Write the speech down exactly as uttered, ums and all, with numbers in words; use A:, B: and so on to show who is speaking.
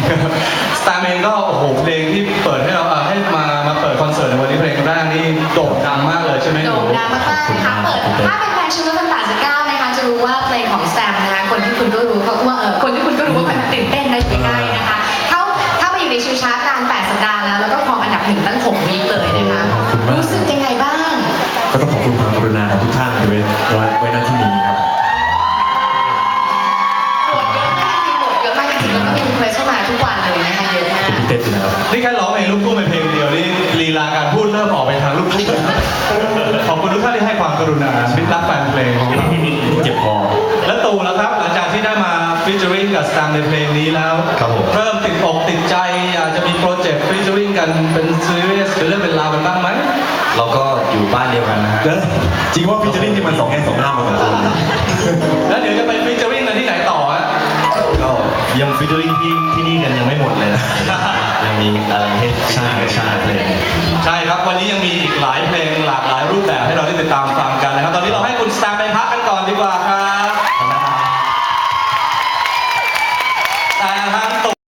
A: สตาร์เองก็โอ้โหเพลงที่เปิดให้เราให้มามาเปิดคอนเสิร์ตในวันนี้เพลงแรกนี่โด่งดังมากเลยใช่ไหมหนู
B: โด่งดังมากๆนะคะเปิดถ้าเป็นแฟนชิลล์ตั้งแต่สิบเก้านะคะจะรู้ว่าเพลงของแซมนะคะคนที่คุณก็รู้เพราะว่าเออคนที่คุณก็รู้ว่ามันตื่นเต้นได้ใกล้ๆนะคะเขาถ้ามาอยู่ในชิลชาร์ตนานแปดสัปดาห์แล้วแล้วก็ครองอันดับหนึ่งตั้งหกวีคเลยนะคะรู้สึกยังไงบ้าง
C: ก็ต้องขอบคุณความกรุณาของทุกท่านที่ไว้ไว้ณที่นี้ครับ
B: โหวตเยอะมากจริงโหวตเยอะมากจริงแล้วก็มีรีเควสเข้ามาทุกวันเลยนะคะเยอะมาก
C: เต้นนะครับ
A: นี่แค่ร้องเพลงลูกทุ่งเป็นเพลงเดียวนี่ลีลาการพูดเริ่มออกไปทางลูกทุ่งขอบคุณทุกท่านที่ให้ความกรุณามิตรรักแฟนเพลงของเรา
C: เจ็บคอ
A: และตู่แล้วครับหลังจากที่ได้มาฟีเจอริ่งกับสตาร์ในเพลงนี้แล้วเริ่มติดอกติดใจอยากจะมีโปรเจกต์ฟีเจอริ่งกันเป็นซีรีส์เป็นเรื่องเป็นราวกันบ้างไหม
D: เราก็อยู่บ้านเดียวกันนะฮะ
C: จริงว่าฟิชเชอร์ที่มันสองแง่สองหน้ามาเหมือนกัน
A: แล้วเดี๋ยวจะไปฟีเจอริ่งกันที่ไหนต่อฮะ
D: ก็ยังฟีเจอริ่งที่ที่นี่กันยังไม่หมดเลยนะยังมีอะไรให้ใช่ใช่เพลง
A: ใช่ครับวันนี้ยังมีอีกหลายเพลงหลากหลายรูปแบบให้เราได้ติดตามฟังกันนะครับตอนนี้เราให้คุณสตาร์ไปพักกันก่อนดีกว่า